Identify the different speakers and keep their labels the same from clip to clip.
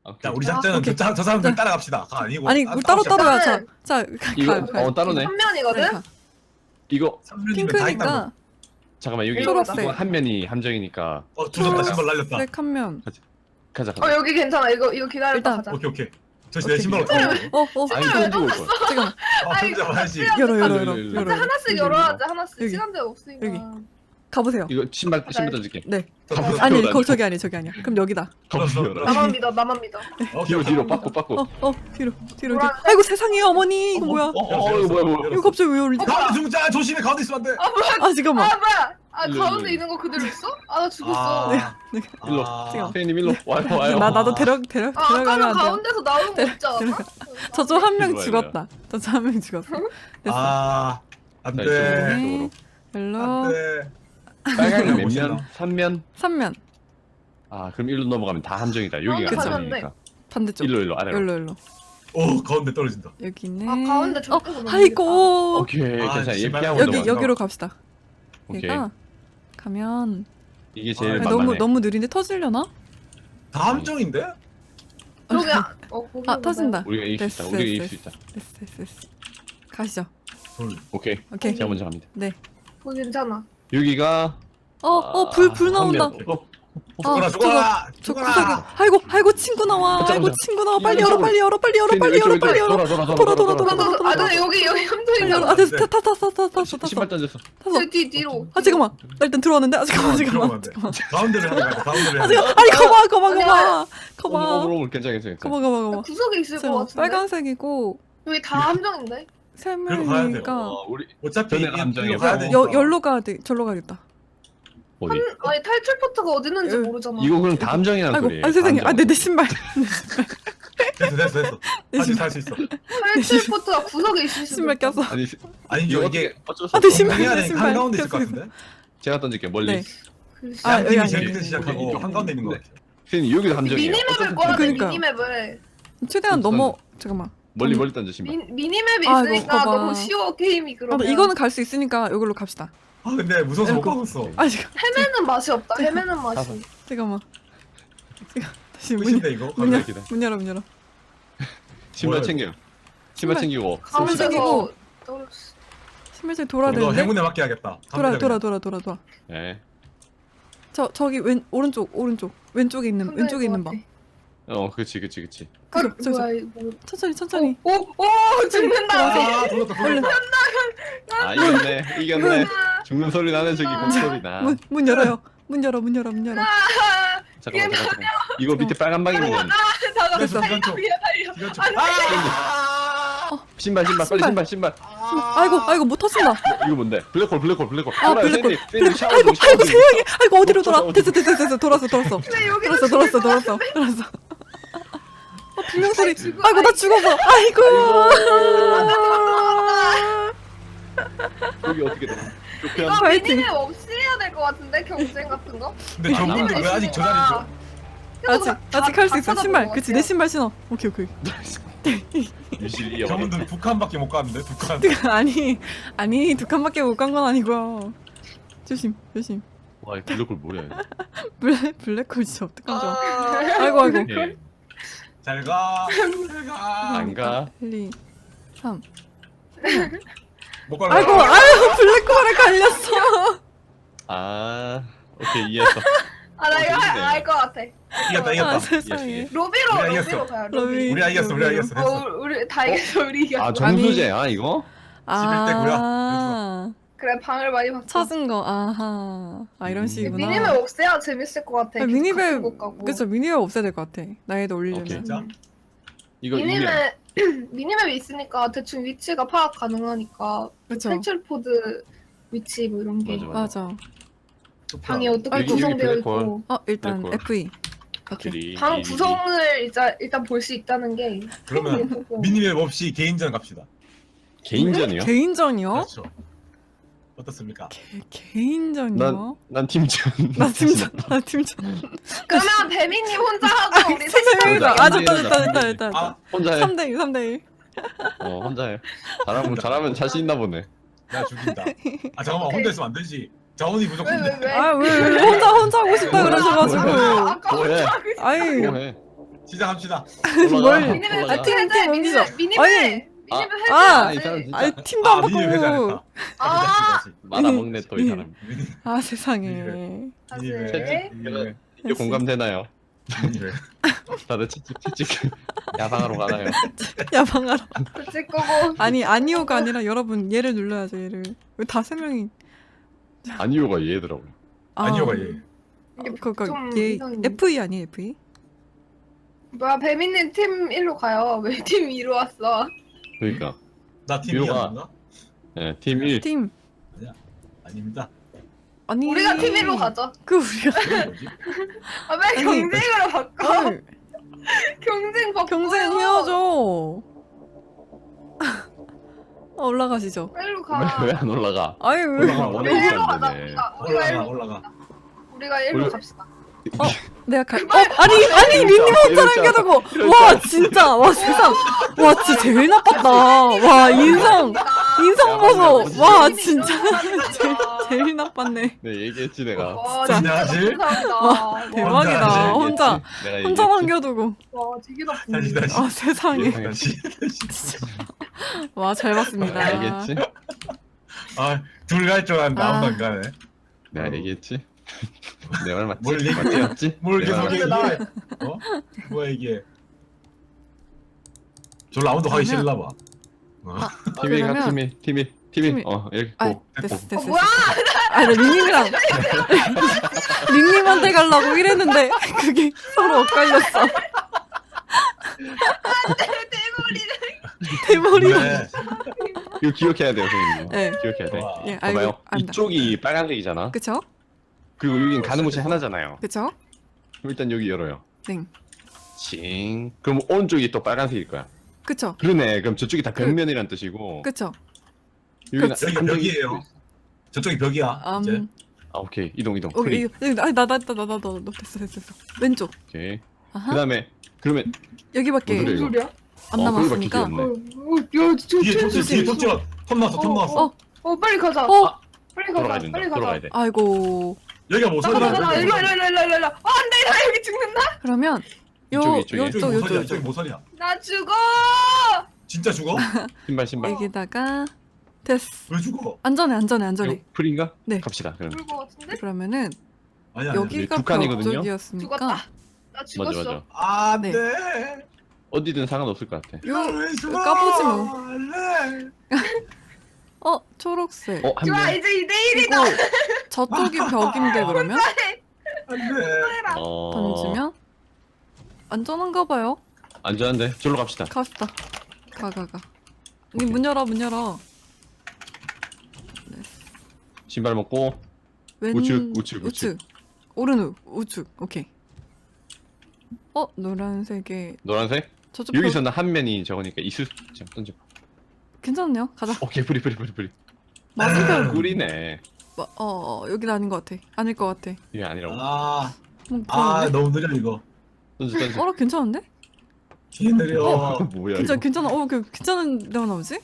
Speaker 1: 자, 우리
Speaker 2: 아,
Speaker 1: 작전은
Speaker 3: 오케이.
Speaker 1: 저 사람들 따라갑시다. 아니고.
Speaker 3: 아니 우리 따로 따로야.
Speaker 2: 일단은
Speaker 3: 자
Speaker 4: 이거
Speaker 3: 가.
Speaker 4: 따로네.
Speaker 2: 한 면이거든?
Speaker 4: 이거
Speaker 1: 3년이면 다 있다고.
Speaker 3: 핑크니까
Speaker 4: 잠깐만 여기
Speaker 3: 초록색.
Speaker 4: 이거 한 면이 함정이니까
Speaker 1: 조졌다. 신발 날렸다.
Speaker 3: 블랙 한 면.
Speaker 4: 가자.
Speaker 2: 여기 괜찮아. 이거 기다렸다
Speaker 3: 일단.
Speaker 2: 가자.
Speaker 1: 오케이. 저 내 신발 어떻게
Speaker 4: 아니 던지고 올 거야.
Speaker 3: 지금
Speaker 1: 혼자 봐야지.
Speaker 3: 열어.
Speaker 2: 하나씩 열어야지. 하나씩.
Speaker 3: 여기.
Speaker 2: 시간대가 없으니까.
Speaker 3: 여기. 가보세요.
Speaker 4: 이거 신발 던질게.
Speaker 3: 네.
Speaker 4: 가보세요.
Speaker 3: 아니
Speaker 4: 나는.
Speaker 3: 저기 아니야. 그럼 여기다.
Speaker 4: 가보세요.
Speaker 2: 나만 믿어. 나만 믿어.
Speaker 4: 뒤로 빠꾸.
Speaker 3: 뒤로. 아이고 세상에 어머니 이거 뭐야?
Speaker 4: 이거 뭐야.
Speaker 3: 이거 갑자기 왜 열리지?
Speaker 1: 가운데 중자 조심해. 가운데 있으면 안 돼.
Speaker 3: 아 잠깐만.
Speaker 2: 뭐야?
Speaker 4: 일로,
Speaker 2: 가운데
Speaker 4: 일로.
Speaker 2: 있는 거 그대로 있어? 나 죽었어.
Speaker 4: 일로.
Speaker 3: 지금.
Speaker 4: 선생님 일로 와요.
Speaker 3: 나도
Speaker 2: 아까는
Speaker 3: 들어가면 안 돼.
Speaker 2: 가운데서 나오는 거 없지 않아?
Speaker 3: 저쪽 한 명
Speaker 4: 일로 와요,
Speaker 3: 죽었다. 저쪽 한 명 죽었어. 됐어.
Speaker 1: 안
Speaker 4: 자,
Speaker 1: 돼.
Speaker 4: 이쪽으로.
Speaker 3: 별로.
Speaker 1: 안 돼.
Speaker 4: 빨강이 몇
Speaker 1: 멋있다.
Speaker 4: 면? 3면?
Speaker 3: 3면
Speaker 4: 아 그럼 일로 넘어가면 다 함정이다. 여기가
Speaker 2: 그쵸.
Speaker 4: 함정이니까.
Speaker 3: 반대쪽.
Speaker 4: 일로 아래로.
Speaker 3: 일로.
Speaker 1: 오, 가운데 떨어진다.
Speaker 3: 여기 있네.
Speaker 2: 가운데 저쪽으로
Speaker 3: 아이고.
Speaker 4: 오케이
Speaker 1: 아,
Speaker 4: 괜찮아. 얘
Speaker 1: 신발
Speaker 4: 피하고
Speaker 1: 여기,
Speaker 4: 넘어가.
Speaker 3: 여기로 갑시다.
Speaker 4: 오케이.
Speaker 3: 얘가 가면
Speaker 4: 이게 제일
Speaker 1: 아,
Speaker 4: 만만해.
Speaker 3: 너무 느린데 터지려나?
Speaker 1: 다 함정인데?
Speaker 2: 여기
Speaker 3: 아 터진다.
Speaker 4: 우리가 이길 수 있다. 우리가 이길 수 있다.
Speaker 3: 됐어. 가시죠.
Speaker 4: 오케이.
Speaker 3: 오케이.
Speaker 4: 제가 먼저 갑니다.
Speaker 3: 네.
Speaker 2: 거기 괜찮아.
Speaker 4: 여기가
Speaker 3: 불 나온다.
Speaker 1: 죽어라.
Speaker 3: 저 구석에. 아이고 친구 나와.
Speaker 4: 잠깐만.
Speaker 3: 친구 나와. 빨리 열어. 빨리 열어. 돌아.
Speaker 2: 근데 여기
Speaker 3: 빨리
Speaker 2: 함정이잖아.
Speaker 3: 열어. 아 됐어. 탔어.
Speaker 4: 신발 던졌어.
Speaker 2: 뒤로.
Speaker 3: 아 잠깐만. 나 일단 들어왔는데. 아 잠깐만.
Speaker 1: 가운데를 해야 돼. 가운데를
Speaker 3: 아
Speaker 1: 해야 돼.
Speaker 3: 잠깐. 아니 거봐.
Speaker 4: 오물 괜찮아.
Speaker 3: 거봐.
Speaker 2: 구석에 있을 것
Speaker 3: 저
Speaker 2: 같은데.
Speaker 3: 빨간색이고
Speaker 2: 여기 다 함정인데.
Speaker 3: 세
Speaker 1: 그래도 가야
Speaker 3: 명이니까
Speaker 4: 우리
Speaker 1: 어차피
Speaker 4: 전에가 함정이야.
Speaker 1: 가야 돼.
Speaker 3: 열로 가야 돼. 절로 가야겠다.
Speaker 4: 어디?
Speaker 2: 아니 탈출 포트가 어디 있는지
Speaker 3: 여기.
Speaker 2: 모르잖아.
Speaker 4: 이거 그럼 다 함정이라는
Speaker 3: 아이고.
Speaker 4: 소리예요.
Speaker 3: 아 세상에.
Speaker 4: 함정.
Speaker 3: 아 내 신발.
Speaker 1: 됐어. 다시 살 수 있어.
Speaker 2: 탈출 포트가 구석에 있을 수도
Speaker 3: 신발
Speaker 2: 있어.
Speaker 3: 꼈어.
Speaker 4: 아니
Speaker 1: 아니
Speaker 4: 이거
Speaker 1: 이게
Speaker 4: 어쩔 수
Speaker 3: 아, 내
Speaker 4: 없어.
Speaker 3: 신발.
Speaker 1: 해야 돼.
Speaker 3: 신발.
Speaker 1: 한가운데 있을 것
Speaker 3: 꼈어.
Speaker 1: 같은데.
Speaker 4: 제가 던질게 멀리.
Speaker 3: 네.
Speaker 2: 글쎄.
Speaker 3: 아, 여기
Speaker 1: 양팀이
Speaker 3: 아니야.
Speaker 1: 제일 밑에
Speaker 4: 오케이,
Speaker 1: 시작하고
Speaker 4: 오케이.
Speaker 1: 한가운데 있는 거 같아.
Speaker 4: 선생님 여기도 함정이에요.
Speaker 2: 미니맵을 꺼야 돼.
Speaker 3: 그러니까요.
Speaker 2: 미니맵을.
Speaker 3: 최대한 넘어. 잠깐만.
Speaker 4: 멀리 던져 신발.
Speaker 2: 미니맵이
Speaker 3: 아, 이거
Speaker 2: 있으니까
Speaker 3: 봐봐.
Speaker 2: 너무 쉬워 게임이
Speaker 3: 아,
Speaker 2: 그러면.
Speaker 3: 이거는 갈 수 있으니까 이걸로 갑시다.
Speaker 1: 아 근데 무서워서 못
Speaker 3: 아이고.
Speaker 1: 가겠어.
Speaker 3: 아 지금
Speaker 2: 헤매는 맛이 없다. 헤매는 맛이.
Speaker 3: 잠깐만. 다시
Speaker 1: 끝인데 이거.
Speaker 3: 문 열어.
Speaker 4: 기다.
Speaker 3: 문 열어.
Speaker 4: 신발
Speaker 1: 뭐야,
Speaker 4: 챙겨. 신발
Speaker 3: 신발.
Speaker 4: 챙기고.
Speaker 2: 가운데서
Speaker 3: 숨쉬기고.
Speaker 2: 떨어졌어.
Speaker 3: 신발장 돌아야
Speaker 1: 너
Speaker 3: 되는데.
Speaker 1: 행운에 맡겨야겠다.
Speaker 3: 돌아.
Speaker 4: 네.
Speaker 3: 저기 오른쪽. 왼쪽에 있는 방.
Speaker 4: 그렇지.
Speaker 2: 뭐야 이거.
Speaker 3: 천천히.
Speaker 2: 오 죽는다.
Speaker 1: 아 돌았다.
Speaker 4: 아 이겼네. 죽는 소리 나네 저기 목소리 나.
Speaker 3: 문 열어요. 문 열어.
Speaker 4: 잠깐만. 이거 밑에 빨간 방이면
Speaker 3: 됐어.
Speaker 4: 신발 빨리 신발.
Speaker 3: 아이고 못 터진다.
Speaker 4: 이거 뭔데? 블랙홀.
Speaker 3: 아
Speaker 4: 돌아요,
Speaker 3: 블랙홀.
Speaker 4: 샌디, 샤워
Speaker 3: 아이고
Speaker 4: 좀, 샤워 좀.
Speaker 3: 세상에. 아이고 어디로 돌아?
Speaker 4: 샤워 좀.
Speaker 3: 됐어. 돌았어. 분명 소리. 아이고 나 죽었어. 아이고.
Speaker 4: 여기 어떻게 돼?
Speaker 2: 이거
Speaker 3: 파이팅.
Speaker 2: 미니맵 없이 해야 될 것 같은데 경쟁 같은 거?
Speaker 1: 근데 저분들 왜 아직 저 자리죠?
Speaker 3: 아직 할 수 있어. 신발. 그치 내 신발 신어. 오케이.
Speaker 4: 유실
Speaker 1: 저분들 북한밖에 못 가는데 북한.
Speaker 3: 아니 두 칸밖에 못 간 건 아니고요. 조심.
Speaker 4: 와, 이 블랙홀 뭐야?
Speaker 3: 블랙홀 진짜 어떡하죠?
Speaker 2: 아,
Speaker 3: 아이고.
Speaker 4: 예.
Speaker 1: 잘 가.
Speaker 4: 안 가.
Speaker 3: 1, 2, 3.
Speaker 1: 못 가라.
Speaker 3: 아이고 블랙홀에 갈렸어.
Speaker 4: 아, 오케이 이해했어.
Speaker 2: 나 이거 알것 같아.
Speaker 1: 이겼다.
Speaker 3: 아 세상에.
Speaker 2: 로비로
Speaker 1: 우리가 이겼어.
Speaker 2: 가요.
Speaker 3: 로비.
Speaker 1: 우리가 이겼어. 됐어.
Speaker 2: 우리 다 이겼어. 우리 이겼어.
Speaker 4: 아, 정수제야 이거?
Speaker 1: 11대
Speaker 2: 그래 방을 많이 봤어.
Speaker 3: 찾은 거. 아하. 이런 식이구나.
Speaker 2: 미니맵 없애야 재밌을 것 같아.
Speaker 3: 미니맵
Speaker 2: 못 가고.
Speaker 3: 그쵸 미니맵 없애야 될 것 같아. 나이도 올리려면.
Speaker 4: 오케이.
Speaker 1: 진짜?
Speaker 4: 이거
Speaker 2: 미니맵이 있으니까 대충 위치가 파악 가능하니까.
Speaker 3: 그쵸.
Speaker 2: 탈출 포드 위치 뭐 이런 게.
Speaker 4: 맞아.
Speaker 3: 맞아.
Speaker 2: 방이 어떻게
Speaker 4: 여기
Speaker 2: 구성되어
Speaker 4: 블랙홀.
Speaker 2: 있고.
Speaker 3: 일단
Speaker 4: 블랙홀.
Speaker 3: FE. 오케이.
Speaker 2: 방 구성을 일단 볼 수 있다는 게.
Speaker 1: 그러면 미니맵 없이 개인전 갑시다.
Speaker 4: 개인전이요?
Speaker 3: 개인전이요?
Speaker 1: 그렇죠. 어떻습니까?
Speaker 3: 개인전이요?
Speaker 4: 난 팀전.
Speaker 3: 나 팀전.
Speaker 2: 그러면 배민님 혼자 하고 우리 셋이
Speaker 3: 선생님이다.
Speaker 2: 하고.
Speaker 3: 됐다.
Speaker 1: 아,
Speaker 4: 혼자 해.
Speaker 3: 3대1.
Speaker 4: 혼자 해. 잘하면 자신 있나 보네.
Speaker 1: 나 죽인다. 아 잠깐만 혼자 있으면 안 되지. 자원이 부족한데.
Speaker 2: 왜?
Speaker 3: 왜 혼자 하고 싶다 그러셔가지고.
Speaker 2: 아까
Speaker 4: 뭐해?
Speaker 3: 아이
Speaker 4: 뭐해?
Speaker 1: 시작합시다.
Speaker 4: 올라가.
Speaker 3: 뭘?
Speaker 4: 올라가.
Speaker 3: 팀 옮기죠.
Speaker 2: 미니맵
Speaker 3: 아니.
Speaker 2: 미니맵
Speaker 3: 아,
Speaker 4: 이 사람 진짜
Speaker 3: 아니 팀도 안
Speaker 1: 미니 회장했다.
Speaker 3: 바꾸고.
Speaker 1: 다시.
Speaker 4: 말아먹네 또 이 사람.
Speaker 1: 미니
Speaker 3: 아 세상에.
Speaker 1: 미니
Speaker 2: 다시.
Speaker 4: 이게 공감되나요?
Speaker 1: 미니 회.
Speaker 4: 다들 채찍 야방하러 가나요?
Speaker 3: 야방하러.
Speaker 2: 그칠 거고.
Speaker 3: 아니 아니오가 아니라 여러분 얘를 눌러야죠 얘를. 왜 다 세 명이?
Speaker 4: 아니요가 얘더라고.
Speaker 1: 아니요가 얘.
Speaker 3: 그니까
Speaker 2: 좀
Speaker 3: 얘
Speaker 2: 이상해.
Speaker 3: FE 아니에요 FE?
Speaker 2: 뭐야 배민님 팀 1로 가요. 왜 팀 2로 왔어?
Speaker 4: 그러니까.
Speaker 1: 나 팀이
Speaker 4: 미호가-
Speaker 1: 아닌가?
Speaker 4: 네, 팀 1.
Speaker 3: 팀
Speaker 1: 아닙니다.
Speaker 3: 아니.
Speaker 2: 우리가 팀 1로 가죠.
Speaker 3: 그 우리가.
Speaker 1: 그건 뭐지?
Speaker 2: 아, 왜
Speaker 3: 아니.
Speaker 2: 경쟁으로 바꿔?
Speaker 3: 헐,
Speaker 2: 경쟁 바꿔.
Speaker 3: 경쟁해야죠. 올라가시죠.
Speaker 2: 1로 가.
Speaker 4: 왜 안 올라가?
Speaker 3: 아유 왜?
Speaker 1: 올라가,
Speaker 2: 우리
Speaker 1: 올라가.
Speaker 2: 1로 가자.
Speaker 4: 되네.
Speaker 2: 우리가 1로
Speaker 1: 올라가.
Speaker 2: 우리가 1로 갑시다.
Speaker 3: 내가 갈. 아니 민님 혼자 남겨두고. 와 진짜 와 세상. 와 진짜 제일 나빴다. 와 인성 보소. 와 진짜 제일 나빴네.
Speaker 4: 네, 얘기했지 내가.
Speaker 2: 와
Speaker 3: 진짜.
Speaker 2: 진짜 감사합니다.
Speaker 3: 대박이다.
Speaker 1: 혼자
Speaker 3: 혼자
Speaker 4: 내가
Speaker 3: 혼자
Speaker 4: 얘기했지.
Speaker 3: 남겨두고.
Speaker 2: 와 되게 나쁘네.
Speaker 1: 다시 다시.
Speaker 3: 아 세상에.
Speaker 1: 다시.
Speaker 3: 와 잘 봤습니다.
Speaker 4: 내가 얘기했지?
Speaker 1: 둘 갈 줄 알았는데
Speaker 3: 아.
Speaker 1: 아무도 안 가네.
Speaker 4: 내가 얘기했지? 내 말 맞지?
Speaker 1: 뭘 얘기해?
Speaker 4: 맞지?
Speaker 1: 뭘
Speaker 4: 내
Speaker 1: 계속
Speaker 4: 말
Speaker 1: 얘기해?
Speaker 2: 맞지?
Speaker 1: 어? 뭐야 이게? 별로 아무도 하기
Speaker 3: 그러면-
Speaker 1: 싫나 봐. 어.
Speaker 4: 팀이 가
Speaker 3: 그러면-
Speaker 4: 팀이
Speaker 3: 팀이-
Speaker 4: 이렇게
Speaker 3: 아
Speaker 4: 고
Speaker 3: 됐어.
Speaker 2: 뭐야?
Speaker 3: 아나 린님이랑 린님한테 가려고 이랬는데 그게 서로 엇갈렸어. 대머리랑.
Speaker 1: 네.
Speaker 4: 이거 기억해야 돼요 선생님.
Speaker 3: 네.
Speaker 4: 기억해야 돼.
Speaker 1: 와.
Speaker 3: 예
Speaker 4: 봐봐요.
Speaker 3: 알고 안다.
Speaker 4: 이쪽이 빨간색이잖아.
Speaker 3: 그쵸?
Speaker 4: 그리고 여긴 가는 곳이 하나잖아요.
Speaker 3: 그쵸?
Speaker 4: 그럼 일단 여기 열어요.
Speaker 3: 네.
Speaker 4: 칭. 그럼 오른쪽이 또 빨간색일 거야.
Speaker 3: 그쵸?
Speaker 4: 그러네. 그럼 저쪽이 다 벽면이란 뜻이고.
Speaker 3: 그쵸?
Speaker 4: 여기는
Speaker 3: 그치.
Speaker 1: 여기
Speaker 4: 한쪽이-
Speaker 1: 벽이에요. 저쪽이 벽이야. 이제.
Speaker 4: 아 오케이 이동.
Speaker 3: 여기
Speaker 4: 프리.
Speaker 3: 아니 나 됐어. 왼쪽.
Speaker 4: 오케이.
Speaker 3: 아하.
Speaker 4: 그다음에 그러면
Speaker 3: 여기밖에
Speaker 4: 뭔
Speaker 2: 무슨
Speaker 4: 이거?
Speaker 2: 소리야?
Speaker 3: 안
Speaker 4: 거기밖에
Speaker 3: 남았으니까.
Speaker 4: 기억 없네.
Speaker 1: 뒤에 톱
Speaker 3: 조심.
Speaker 1: 뒤에 톱 찍어. 톱 나왔어. 톱 나왔어.
Speaker 2: 빨리 가자.
Speaker 3: 어
Speaker 2: 빨리 가자.
Speaker 4: 돌아가야 된다.
Speaker 2: 빨리 가자.
Speaker 4: 돌아가야 돼.
Speaker 3: 아이고
Speaker 1: 여기가
Speaker 2: 나
Speaker 1: 모서리야.
Speaker 2: 일로 안돼 나 여기 죽는다.
Speaker 3: 그러면
Speaker 4: 이쪽에.
Speaker 1: 저기 모서리야.
Speaker 3: 요쪽
Speaker 1: 저기 모서리야.
Speaker 2: 나 죽어.
Speaker 1: 진짜 죽어?
Speaker 4: 신발.
Speaker 3: 여기다가 됐어.
Speaker 1: 왜 죽어?
Speaker 3: 안전해.
Speaker 4: 이거 프리인가?
Speaker 3: 네.
Speaker 4: 갑시다. 그럼.
Speaker 2: 죽을 것 같은데?
Speaker 3: 그러면은
Speaker 1: 아니야. 아니야.
Speaker 3: 여기가
Speaker 4: 두 칸이거든요?
Speaker 3: 벽쪽이었으니까
Speaker 2: 죽었다. 나 죽었어.
Speaker 4: 맞아.
Speaker 1: 아,
Speaker 3: 네.
Speaker 1: 네.
Speaker 4: 어디든 상관없을 것 같아.
Speaker 1: 나왜 죽어?
Speaker 3: 까보지 뭐.
Speaker 1: 네.
Speaker 3: 초록색.
Speaker 4: 한
Speaker 2: 좋아
Speaker 4: 명.
Speaker 2: 이제 2대
Speaker 3: 그리고
Speaker 2: 1이다.
Speaker 3: 저쪽이 벽인데 그러면
Speaker 1: 안 돼.
Speaker 3: 던지면 안전한가 봐요.
Speaker 4: 안전한데. 절로 갑시다.
Speaker 3: 갑시다. 가. 니 문 열어.
Speaker 4: 신발 먹고
Speaker 3: 왼
Speaker 4: 우측.
Speaker 3: 오른 우측. 오케이. 노란색에
Speaker 4: 노란색.
Speaker 3: 저쪽
Speaker 4: 여기서는 한 면이 저거니까 이수 좀 던져.
Speaker 3: 괜찮네요. 가자.
Speaker 4: 오케이 프리.
Speaker 3: 맞은편.
Speaker 4: 꿀이네.
Speaker 3: 여긴 아닌 것 같아. 아닐 것 같아.
Speaker 4: 이게 아니라고.
Speaker 3: 그러네.
Speaker 1: 너무 느려 이거.
Speaker 4: 던져.
Speaker 3: 괜찮은데?
Speaker 1: 뒤에 느려.
Speaker 4: 뭐야 이거?
Speaker 3: 괜찮아. 괜찮은 데가 나오지?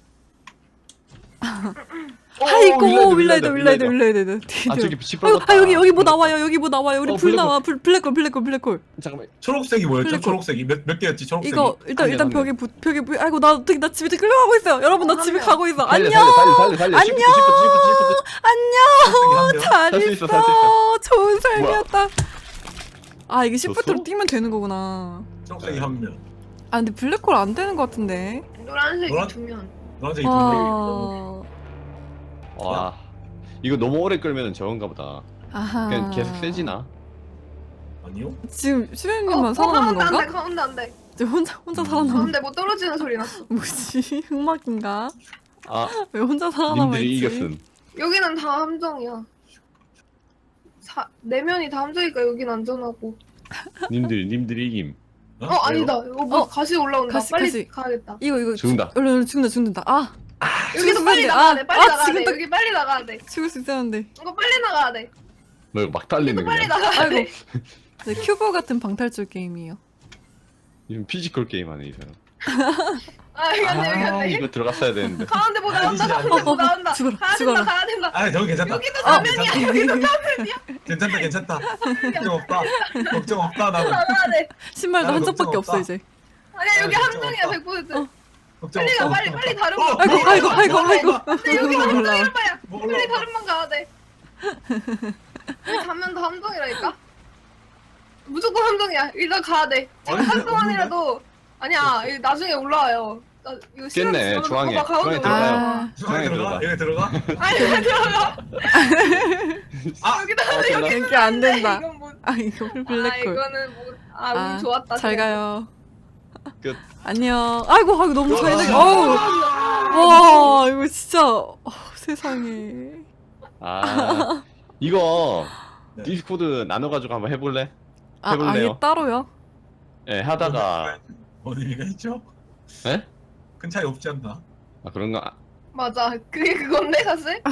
Speaker 4: 어,
Speaker 3: 아이고 윌라이드.
Speaker 4: 아 저기 빛이
Speaker 3: 아이고,
Speaker 4: 빠졌다.
Speaker 3: 여기 뭐 나와요. 우리 불
Speaker 4: 블랙홀.
Speaker 3: 나와. 블랙홀.
Speaker 4: 잠깐만.
Speaker 1: 초록색이 뭐였죠?
Speaker 3: 플리커.
Speaker 1: 초록색이 몇 개였지? 초록색이.
Speaker 3: 이거 일단
Speaker 4: 한 명.
Speaker 3: 벽에 아이고 나 집에 끌려가고 있어요. 여러분 나 집에 가고 있어.
Speaker 4: 달려.
Speaker 3: 안녕.
Speaker 4: 안녕.
Speaker 1: 초록색이 한 명.
Speaker 3: 잘
Speaker 4: 살수
Speaker 3: 있어.
Speaker 4: 있어, 살수 있어.
Speaker 3: 좋은 삶이었다. 아 이게
Speaker 4: 졌어?
Speaker 3: 시프트로 뛰면 되는 거구나.
Speaker 1: 초록색이 한 명.
Speaker 3: 아 근데 블랙홀 안 되는 것 같은데.
Speaker 2: 노란색이
Speaker 1: 노란-
Speaker 2: 2명.
Speaker 1: 노란색이 두 명.
Speaker 3: 아.
Speaker 4: 와. 이거 너무 오래 끌면은 저건가 보다.
Speaker 3: 아하.
Speaker 4: 그냥 계속 세지나?
Speaker 1: 아니요?
Speaker 3: 지금 수현님만 살아남은 건가?
Speaker 2: 가운데 안 돼.
Speaker 3: 지금 혼자 살아남은
Speaker 2: 가운데 뭐 떨어지는 소리 났어.
Speaker 3: 뭐지? 흑막인가?
Speaker 4: 아,
Speaker 3: 왜 혼자 살아남아
Speaker 4: 님들이
Speaker 3: 있지?
Speaker 4: 이겼음.
Speaker 2: 여기는 다 함정이야. 내면이 다 함정이니까 여긴 안전하고.
Speaker 4: 님들이 이김.
Speaker 2: 아니다. 이거 뭐 가시 올라온다.
Speaker 3: 가시,
Speaker 2: 빨리
Speaker 3: 가시.
Speaker 2: 가야겠다.
Speaker 3: 이거
Speaker 4: 죽는다.
Speaker 3: 얼른 죽는다. 아
Speaker 2: 여기도 빨리
Speaker 3: 죽었는데.
Speaker 2: 나가야 돼. 빨리
Speaker 3: 아,
Speaker 2: 나가야 돼.
Speaker 3: 지금 딱-
Speaker 2: 여기 빨리 나가야 돼.
Speaker 3: 죽을 수 있었는데.
Speaker 2: 이거 빨리 나가야 돼.
Speaker 4: 뭐 막 달리는
Speaker 2: 이거 빨리
Speaker 4: 그냥.
Speaker 2: 나가야
Speaker 3: 아이고.
Speaker 2: 돼.
Speaker 3: 네, 큐브 같은 방탈출 게임이에요.
Speaker 4: 요즘 피지컬 게임 하네 이 사람.
Speaker 2: 여기 왔네 여기
Speaker 4: 아
Speaker 2: 왔네.
Speaker 4: 이거 들어갔어야 되는데.
Speaker 2: 가운데 뭐 나온다.
Speaker 1: 아니지,
Speaker 2: 가운데 뭐 나온다.
Speaker 3: 죽어라,
Speaker 2: 가야
Speaker 3: 죽어라.
Speaker 2: 된다 가야 된다.
Speaker 1: 아 저기 괜찮다.
Speaker 2: 여기도
Speaker 1: 아,
Speaker 2: 사면이야. 여기도
Speaker 1: 괜찮다 괜찮다. 걱정 없다. 걱정 없다 나는.
Speaker 2: 나가야 돼.
Speaker 3: 신발도
Speaker 1: 나는
Speaker 3: 한 짝밖에
Speaker 1: 걱정
Speaker 3: 없어
Speaker 1: 없다.
Speaker 3: 이제.
Speaker 2: 아니야 여기
Speaker 1: 아,
Speaker 2: 함정이야
Speaker 1: 걱정
Speaker 2: 100%.
Speaker 1: 걱정
Speaker 2: 빨리 가
Speaker 1: 없다.
Speaker 2: 빨리 다른
Speaker 1: 어,
Speaker 2: 방.
Speaker 3: 아이고.
Speaker 2: 근데 여기
Speaker 3: 올라와.
Speaker 2: 함정이란 말이야.
Speaker 1: 뭐
Speaker 2: 빨리
Speaker 1: 올라와.
Speaker 2: 다른 방 가야 돼. 여기 가면 다 함정이라니까. 무조건 함정이야. 일단 가야 돼. 지금
Speaker 1: 아니,
Speaker 2: 한 동안이라도 아니야. 이거 나중에 올라와요. 나 이거 시간
Speaker 4: 깼네,
Speaker 2: 지나면
Speaker 4: 중앙에.
Speaker 2: 봐봐, 가운데
Speaker 4: 중앙에 들어가요.
Speaker 2: 올라와.
Speaker 1: 중앙에 들어가. 여기 들어가.
Speaker 2: 아니 왜 들어가?
Speaker 1: 아,
Speaker 2: 여기다 여기
Speaker 3: 이게 안 된다.
Speaker 2: 이건 뭐?
Speaker 3: 아 이거
Speaker 2: 아
Speaker 3: 블랙홀.
Speaker 2: 이거는 뭐운 좋았다.
Speaker 3: 잘 가요.
Speaker 4: 끝.
Speaker 3: 안녕. 아이고 너무 잘 돼. 어우. 와 이거 진짜 세상에.
Speaker 4: 아 이거
Speaker 1: 네.
Speaker 4: 디스코드 나눠가지고 한번 해볼래?
Speaker 3: 아예
Speaker 4: 해볼래요?
Speaker 3: 따로요?
Speaker 4: 예 하다가
Speaker 1: 뭔 의미가 있죠?
Speaker 4: 예?
Speaker 1: 큰 차이 없지 않나?
Speaker 4: 아 그런가?
Speaker 2: 맞아. 그게 그건데 사실.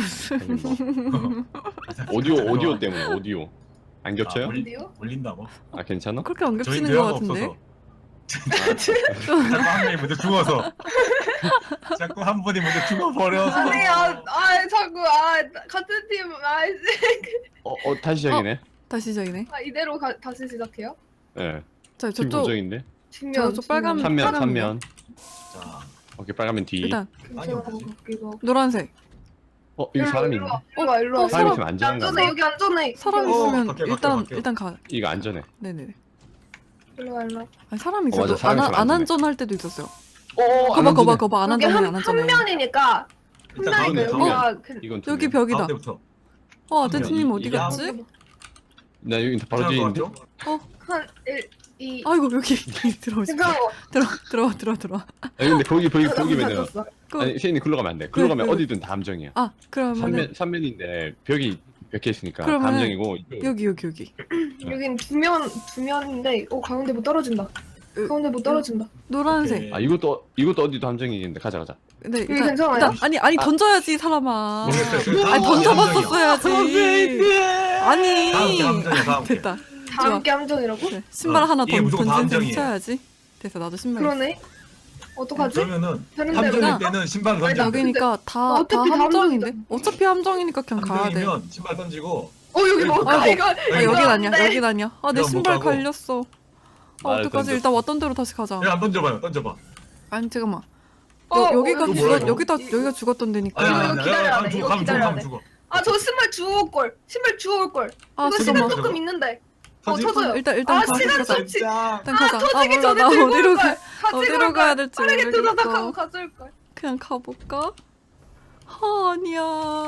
Speaker 4: 오디오 때문에 오디오 안 겹쳐요?
Speaker 2: 어디요?
Speaker 1: 올린다고?
Speaker 4: 아 괜찮아?
Speaker 3: 그렇게 안
Speaker 1: 저희
Speaker 3: 겹치는 것
Speaker 1: 대화가
Speaker 3: 같은데.
Speaker 1: 없어서. 자꾸 한 명이 먼저 죽어서. 자꾸 한 분이 먼저 죽어버려서.
Speaker 2: 아니 자꾸 같은 팀
Speaker 4: 다시 시작이네.
Speaker 3: 다시 시작이네.
Speaker 2: 이대로 다시 시작해요?
Speaker 4: 예.
Speaker 3: 자
Speaker 4: 팀
Speaker 3: 저쪽
Speaker 4: 고정인데.
Speaker 2: 뒷면
Speaker 3: 저쪽 빨간-
Speaker 2: 뒷면.
Speaker 4: 삼면.
Speaker 1: 자,
Speaker 4: 오케이 빨가면 뒤.
Speaker 3: 일단
Speaker 2: 괜찮아, 거기가.
Speaker 3: 노란색.
Speaker 4: 이거 사람이 있네.
Speaker 2: 일로 와.
Speaker 4: 사람이 있으면 안전한가
Speaker 2: 안전해
Speaker 4: 봐.
Speaker 2: 여기 안전해.
Speaker 3: 사람
Speaker 1: 어,
Speaker 3: 있으면
Speaker 1: 갈게요,
Speaker 3: 일단
Speaker 1: 갈게요.
Speaker 3: 일단 가.
Speaker 4: 이거 안전해.
Speaker 3: 네네네.
Speaker 2: 일로 와.
Speaker 3: 아니 사람이
Speaker 4: 맞아,
Speaker 3: 있어도
Speaker 4: 사람이 있으면
Speaker 3: 안
Speaker 4: 안 되네.
Speaker 3: 안전할 때도 있었어요.
Speaker 4: 안 안전해.
Speaker 3: 거봐 안
Speaker 2: 여기
Speaker 3: 안전해 안
Speaker 2: 한
Speaker 3: 안전해.
Speaker 2: 면이니까
Speaker 1: 일단
Speaker 2: 한
Speaker 1: 가운데,
Speaker 2: 면이니까
Speaker 1: 가운데.
Speaker 2: 여기가
Speaker 4: 이건 두
Speaker 3: 여기
Speaker 4: 명.
Speaker 3: 벽이다.
Speaker 1: 가운데부터.
Speaker 3: 아대트님 어디
Speaker 4: 이게
Speaker 3: 갔지?
Speaker 4: 나 여기 바로 뒤에 있는데.
Speaker 2: 한 1, 2
Speaker 3: 아이고 여기 들어오지.
Speaker 2: 잠깐만.
Speaker 3: 들어와.
Speaker 4: 아니 근데 거기 보기면은
Speaker 2: 닫았어.
Speaker 4: 아니 셰인이 글로 가면 안 돼. 글로 가면
Speaker 3: 그-
Speaker 4: 어디든 다 함정이야.
Speaker 3: 아 그러면은
Speaker 4: 삼면인데 벽이 몇개 있으니까 다
Speaker 3: 그러면은
Speaker 4: 함정이고 이쪽-
Speaker 3: 여기.
Speaker 2: 여긴 두 면인데 가운데 못 떨어진다. 가운데 못 떨어진다.
Speaker 3: 노란색.
Speaker 4: 아 이것도 어디도 함정이겠는데 가자.
Speaker 3: 근데
Speaker 2: 여기 괜찮아요?
Speaker 3: 일단 아니 던져야지 사람아.
Speaker 1: 모르겠어요.
Speaker 3: 아니 던져봤었어야지. 아니.
Speaker 1: 다음 함정이야, 다음 게.
Speaker 3: 됐다.
Speaker 2: 다 함께 함정이라고?
Speaker 3: 그래, 신발 하나
Speaker 1: 이게 무조건 다
Speaker 3: 던진 셈
Speaker 1: 함정이에요.
Speaker 3: 쳐야지. 됐어 나도 신발. 있어.
Speaker 2: 그러네. 어떡하지?
Speaker 1: 그러면은
Speaker 2: 되는
Speaker 1: 함정일
Speaker 2: 대로나?
Speaker 1: 때는 신발
Speaker 2: 아니,
Speaker 1: 던져.
Speaker 3: 여기니까 다
Speaker 2: 어차피 다
Speaker 3: 함정인데.
Speaker 2: 함정이잖아.
Speaker 3: 어차피 함정이니까 그냥 가야 돼.
Speaker 1: 함정이면 신발 던지고.
Speaker 2: 여기 뭘까
Speaker 3: 아이고.
Speaker 2: 이거?
Speaker 3: 아
Speaker 2: 이거
Speaker 3: 여긴
Speaker 2: 안
Speaker 3: 아니야.
Speaker 2: 돼.
Speaker 3: 여긴 아니야. 아 내
Speaker 1: 이거 못
Speaker 3: 신발
Speaker 1: 가고.
Speaker 3: 갈렸어. 아
Speaker 4: 나를
Speaker 3: 어떡하지?
Speaker 4: 던졌어.
Speaker 3: 일단 왔던 대로 다시 가자.
Speaker 1: 야, 안 던져봐요. 던져봐.
Speaker 3: 아니 잠깐만.
Speaker 2: 여기가
Speaker 1: 이거 뭐야, 이거?
Speaker 3: 여기가 죽었던 데니까.
Speaker 2: 이거 기다려야 돼, 이거
Speaker 1: 가면 죽어,
Speaker 2: 기다려야
Speaker 1: 가면
Speaker 2: 돼.
Speaker 1: 죽어.
Speaker 2: 저 신발 주워올 걸. 신발 주워올 걸.
Speaker 3: 아
Speaker 2: 이거 시간
Speaker 3: 잠깐만.
Speaker 2: 조금 있는데.
Speaker 1: 터질
Speaker 2: 터져요.
Speaker 3: 일단
Speaker 2: 시간
Speaker 3: 가자.
Speaker 2: 좀-
Speaker 1: 진짜.
Speaker 3: 일단 가자. 아
Speaker 2: 터지기
Speaker 3: 몰라
Speaker 2: 전에
Speaker 3: 나
Speaker 2: 들고
Speaker 3: 어디로
Speaker 2: 올
Speaker 3: 가?
Speaker 2: 걸. 가지고
Speaker 3: 어디로
Speaker 2: 올
Speaker 3: 가야
Speaker 2: 걸.
Speaker 3: 될지
Speaker 2: 빠르게 뜯어다가고
Speaker 3: 모르겠어.
Speaker 2: 가져올 걸.
Speaker 3: 그냥 가볼까? 아니야.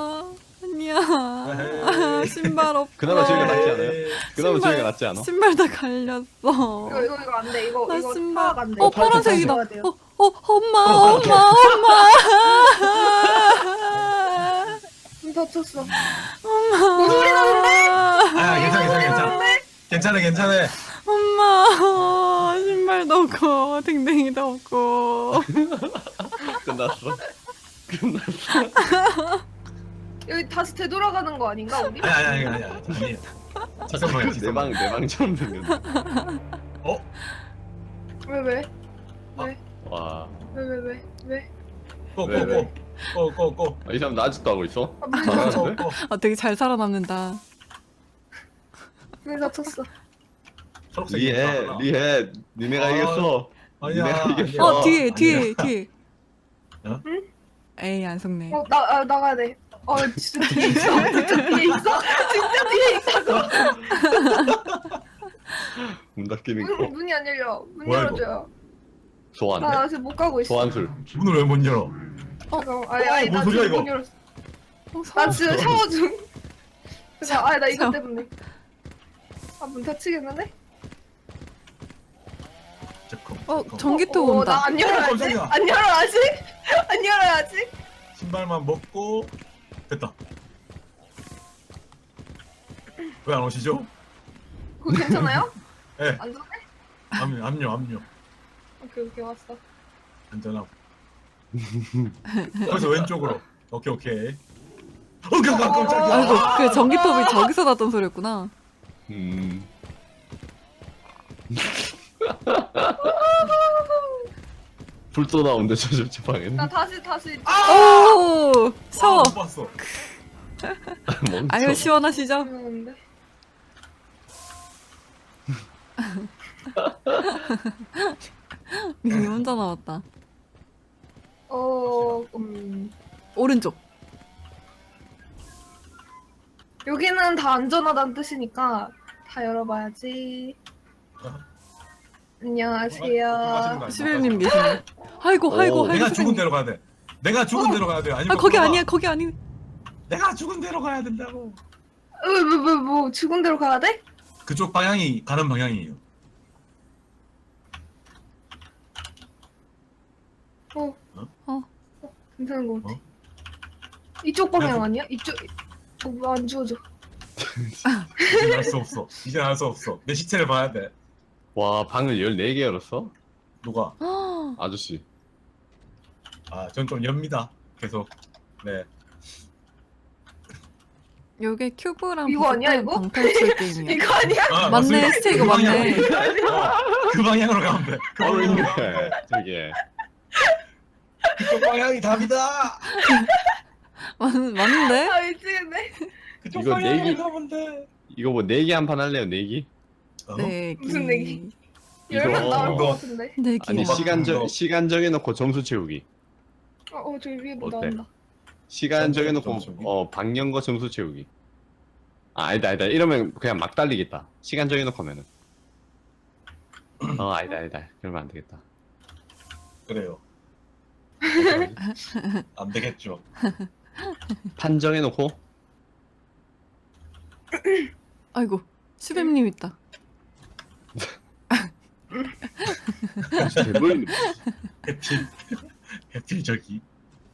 Speaker 3: 신발 없어.
Speaker 4: 그나마 저희가 낫지 않아요? 그나마
Speaker 3: 신발-
Speaker 4: 저희가 낫지 않아?
Speaker 3: 신발 다 갈렸어.
Speaker 2: 이거 안 돼. 이거
Speaker 3: 나 신발.
Speaker 2: 파악 안 돼.
Speaker 3: 파란색이다.
Speaker 2: 파악 돼요.
Speaker 3: 엄마.
Speaker 2: 다쳤어.
Speaker 3: 엄마.
Speaker 2: 소리 나는데?
Speaker 1: 아, 괜찮아.
Speaker 3: 엄마. 신발도 없고 댕댕이도 없고.
Speaker 4: 끝났어.
Speaker 2: 여기 다시 되돌아가는 거 아닌가 우리?
Speaker 1: 아니에요. 잠깐만요.
Speaker 4: 내방처럼 생겼네.
Speaker 2: 왜?
Speaker 4: 와.
Speaker 2: 왜?
Speaker 1: 고.
Speaker 4: 이 사람 나 아직도 하고 있어?
Speaker 2: 문이
Speaker 4: 잘하는데?
Speaker 3: 아 되게 잘 살아남는다.
Speaker 2: 다쳤어.
Speaker 4: 리해. 니네가
Speaker 1: 아,
Speaker 4: 이겼어.
Speaker 1: 아니야.
Speaker 4: 니네가 이겼어.
Speaker 3: 뒤에.
Speaker 1: 어?
Speaker 2: 응?
Speaker 3: 에이 안 속네.
Speaker 2: 나가야 돼. 진짜 뒤에 있어. 진짜 뒤에 있어.
Speaker 4: 문 닫히는 거.
Speaker 2: 문이 안 열려. 문
Speaker 1: 뭐야,
Speaker 2: 열어줘요.
Speaker 4: 소환.
Speaker 2: 나 아직 못 가고 있어.
Speaker 4: 소환술.
Speaker 1: 문을 왜 못 열어?
Speaker 2: 잠깐만. 아니,
Speaker 1: 뭔
Speaker 2: 나
Speaker 1: 소리야,
Speaker 2: 지금
Speaker 1: 이거?
Speaker 2: 못 열었어. 나 지금 샤워 중. 나 이거
Speaker 3: 샤워.
Speaker 2: 때문에. 문 닫히겠는데?
Speaker 3: 전기톱 온다.
Speaker 2: 나 안 열어야지.
Speaker 1: 깜짝이야.
Speaker 2: 안 열어야지. 안 열어야지.
Speaker 1: 신발만 먹고 됐다. 왜 안 오시죠?
Speaker 2: 그거 괜찮아요?
Speaker 1: 예.
Speaker 2: 안전해?
Speaker 1: 압류.
Speaker 2: 오케이 왔어.
Speaker 1: 안전하고. 거기서 왼쪽으로. 오케이. 깜짝이야.
Speaker 3: 아이고 그 전기톱이 저기서 났던 소리였구나.
Speaker 4: 불 쏟아온대 저 방에는.
Speaker 2: 나 다시
Speaker 3: 오 샤워.
Speaker 1: 못 봤어.
Speaker 4: 멍청.
Speaker 3: 아유 시원하시죠?
Speaker 2: 들어오는데.
Speaker 3: 민이 혼자 나왔다. 오른쪽.
Speaker 2: 여기는 다 안전하다는 뜻이니까 다 열어봐야지. 안녕하세요.
Speaker 3: 시벨님 계시네. 아이고 아이고
Speaker 4: 오,
Speaker 3: 아이고.
Speaker 1: 내가 죽은
Speaker 3: 선생님.
Speaker 1: 대로 가야 돼. 내가 죽은 대로 가야 돼. 아니면
Speaker 3: 아 거기
Speaker 1: 그거가
Speaker 3: 아니야 거기 아니.
Speaker 1: 내가 죽은 대로 가야 된다고.
Speaker 2: 뭐 죽은 대로 가야 돼?
Speaker 1: 그쪽 방향이 가는 방향이에요.
Speaker 2: 괜찮은 거 같아.
Speaker 1: 어?
Speaker 2: 이쪽 방향 아니야? 이쪽 안 주워져.
Speaker 1: 이제 알 수 없어. 이제 알 수 없어. 내 시체를 봐야 돼.
Speaker 4: 와 방을 14개 열었어?
Speaker 1: 누가?
Speaker 4: 아저씨.
Speaker 1: 아, 전 좀 엽니다. 계속. 네.
Speaker 3: 요게 큐브랑
Speaker 2: 이거 아니야,
Speaker 3: 비슷한
Speaker 2: 이거?
Speaker 3: 방탈출 게임이야.
Speaker 2: 이거 아니야?
Speaker 1: 아,
Speaker 3: 맞네,
Speaker 1: 맞습니다.
Speaker 3: 스테이크
Speaker 1: 그
Speaker 3: 맞네.
Speaker 1: 그 방향으로 가면 돼. 그 방향으로 가면 돼.
Speaker 4: 어린데 저게.
Speaker 1: 그쪽 방향이 답이다.
Speaker 3: 맞는데?
Speaker 2: 아 미치겠네.
Speaker 1: 그쪽
Speaker 4: 이거
Speaker 1: 방향으로
Speaker 4: 내기-
Speaker 1: 가면 돼.
Speaker 4: 이거 뭐 내기 한 판 할래요 내기?
Speaker 1: 어?
Speaker 3: 네.
Speaker 2: 무슨 내기?
Speaker 4: 이거-
Speaker 2: 열면 나올 것
Speaker 1: 이거-
Speaker 2: 같은데.
Speaker 3: 네.
Speaker 4: 아니
Speaker 1: 뭐,
Speaker 4: 시간 정해놓고 점수 채우기.
Speaker 2: 저기 위에 뭐
Speaker 4: 어때?
Speaker 2: 나온다.
Speaker 4: 시간
Speaker 1: 점수
Speaker 4: 정해놓고
Speaker 1: 채우기?
Speaker 4: 방영거 점수 채우기. 아 아니다 이러면 그냥 막 달리겠다. 시간 정해놓고 하면은. 아니다 그러면 안 되겠다.
Speaker 1: 그래요. 안 되겠죠.
Speaker 4: 판 정해놓고
Speaker 3: 아이고 시벨님 있다.
Speaker 4: 대물
Speaker 1: 해필 저기.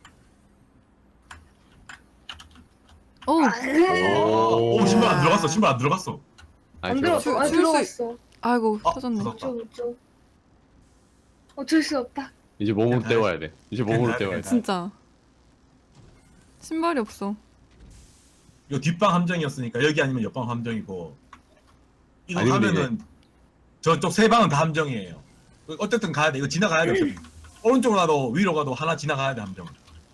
Speaker 3: 오
Speaker 1: 오, 신발 안 들어갔어. 신발 안 들어갔어.
Speaker 2: 안 들어갔어. 안
Speaker 3: 줄 수-
Speaker 2: 들어갔어.
Speaker 3: 아이고
Speaker 1: 아,
Speaker 3: 터졌네.
Speaker 1: 터졌다.
Speaker 2: 어쩌. 어쩔 수 없다.
Speaker 4: 이제 몸으로
Speaker 1: 괜찮아.
Speaker 4: 때워야 돼. 이제 몸으로
Speaker 1: 괜찮아,
Speaker 4: 때워야 돼.
Speaker 1: 괜찮아.
Speaker 3: 진짜 신발이 없어.
Speaker 1: 요 뒷방 함정이었으니까 여기 아니면 옆방 함정이고. 이거
Speaker 4: 아니, 근데
Speaker 1: 하면은 저쪽 세 방은 다 함정이에요. 어쨌든 가야 돼. 이거 지나가야 돼. 어차피. 오른쪽으로 가도 위로 가도 하나 지나가야 돼 함정.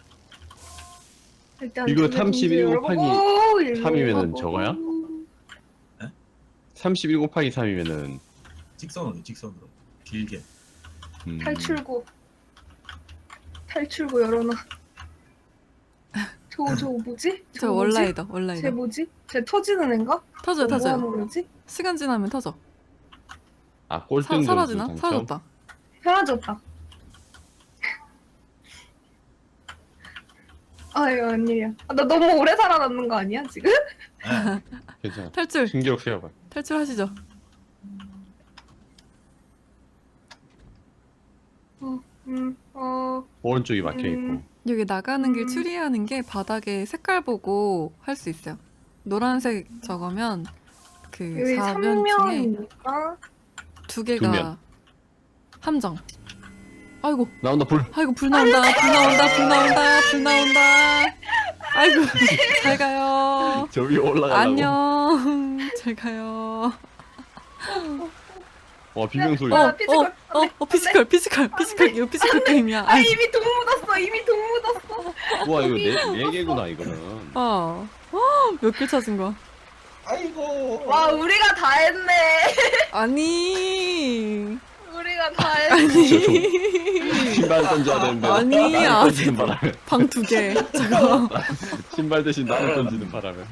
Speaker 2: 일단
Speaker 4: 이거
Speaker 2: 두개
Speaker 4: 31
Speaker 2: 동시에
Speaker 4: 곱하기
Speaker 2: 열어보고 일로
Speaker 4: 3이면은
Speaker 2: 가보고.
Speaker 4: 저거야? 31 곱하기 3이면은
Speaker 1: 직선으로 길게.
Speaker 2: 탈출구 열어놔. 저거 뭐지?
Speaker 3: 저
Speaker 2: 저거 뭐지?
Speaker 3: 원라이더
Speaker 2: 쟤
Speaker 3: 원라이더.
Speaker 2: 뭐지? 쟤 터지는 애인가?
Speaker 3: 터져요
Speaker 2: 뭐
Speaker 3: 터져요.
Speaker 2: 하는 거지?
Speaker 3: 시간 지나면 터져.
Speaker 4: 꼴등 점수
Speaker 3: 사라지나?
Speaker 4: 당첨.
Speaker 3: 사라졌다.
Speaker 2: 사라졌다. 아유 웬일이야. 나 너무 오래 살아남는 거 아니야 지금?
Speaker 1: 네.
Speaker 4: 괜찮아.
Speaker 3: 탈출
Speaker 4: 신기록 세워봐.
Speaker 3: 탈출하시죠.
Speaker 4: 오른쪽이 막혀 있고.
Speaker 3: 여기 나가는 길 추리하는 게 바닥에 색깔 보고 할 수 있어요. 노란색 적으면 그
Speaker 2: 여기
Speaker 3: 4면 중에
Speaker 2: 3면이니까
Speaker 3: 두
Speaker 4: 두
Speaker 3: 개가
Speaker 4: 면.
Speaker 3: 함정. 아이고
Speaker 4: 나온다 불.
Speaker 3: 아이고 불 나온다 불 나온다 불 나온다 불 나온다. 아이고 잘 가요.
Speaker 4: 저 위에 올라가려고.
Speaker 3: 안녕 잘 가요.
Speaker 4: 와 비명 소리.
Speaker 2: 어. 피지컬.
Speaker 3: 피지컬 이거 피지컬 게임이야.
Speaker 2: 아 이미 돈 묻었어. 이미 돈 묻었어.
Speaker 4: 와 이거 네 개구나 이거는.
Speaker 3: 몇 개 찾은 거야?
Speaker 1: 아이고.
Speaker 2: 와 우리가 다 했네.
Speaker 3: 아니
Speaker 2: 우리가 다 했네.
Speaker 4: 신발 던져야 되는데.
Speaker 3: 아니야.
Speaker 4: 나를 던지는 바람에.
Speaker 3: 방 두 개. 저거.
Speaker 4: 신발 대신 나를 던지는 바람에.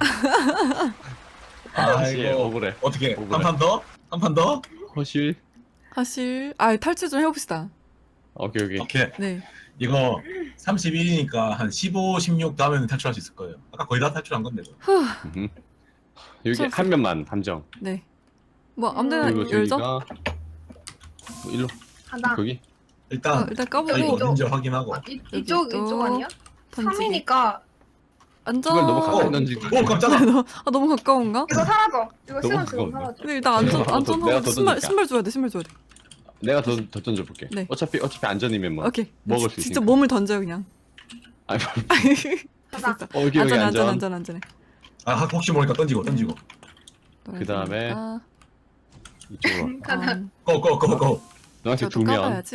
Speaker 4: 다시
Speaker 1: 아이고.
Speaker 4: 억울해.
Speaker 1: 어떻게?
Speaker 4: 억울해.
Speaker 1: 한 판 더? 한 판 더?
Speaker 4: 허실.
Speaker 3: 사실 탈출 좀 해봅시다.
Speaker 4: 오케이.
Speaker 1: 오케이.
Speaker 3: 네.
Speaker 1: 이거 31이니까 한 15, 16 다음에는 탈출할 수 있을 거예요. 아까 거의 다 탈출한 건데. 뭐.
Speaker 3: 후.
Speaker 4: 여기
Speaker 3: 저-
Speaker 4: 한 면만 함정.
Speaker 3: 네. 뭐 아무데나
Speaker 4: 그리고
Speaker 3: 열죠?
Speaker 4: 저기가 뭐 일로
Speaker 2: 가다.
Speaker 4: 거기.
Speaker 1: 일단
Speaker 3: 일단
Speaker 1: 이거
Speaker 3: 까보고
Speaker 1: 어딘지 확인하고.
Speaker 2: 이쪽
Speaker 3: 또
Speaker 2: 아니야?
Speaker 3: 던지기.
Speaker 2: 3이니까
Speaker 3: 안전.
Speaker 4: 신발 너무 가까이
Speaker 1: 어.
Speaker 4: 던지고.
Speaker 1: 오 깜짝아.
Speaker 3: 너무 가까운가?
Speaker 2: 이거 사라져. 이거
Speaker 4: 너무
Speaker 2: 시간 지금
Speaker 4: 가까운데?
Speaker 2: 사라져.
Speaker 3: 근데 일단
Speaker 4: 내가
Speaker 3: 안전하고
Speaker 4: 더
Speaker 3: 신발
Speaker 4: 던질까?
Speaker 3: 줘야 돼. 신발 줘야 돼.
Speaker 4: 내가 더 던져볼게.
Speaker 3: 네.
Speaker 4: 어차피 안전이면 뭐.
Speaker 3: 오케이.
Speaker 4: 먹을 수
Speaker 3: 직접
Speaker 4: 있으니까.
Speaker 3: 몸을 던져요 그냥.
Speaker 4: 아니,
Speaker 2: 가자.
Speaker 4: 여기 안전.
Speaker 3: 안전해.
Speaker 1: 아 혹시 모르니까 던지고.
Speaker 4: 그 다음에
Speaker 3: 아,
Speaker 4: 이쪽으로.
Speaker 2: 가자.
Speaker 1: 고고고고.
Speaker 4: 노란색
Speaker 3: 저도
Speaker 4: 2면.
Speaker 3: 까봐야지.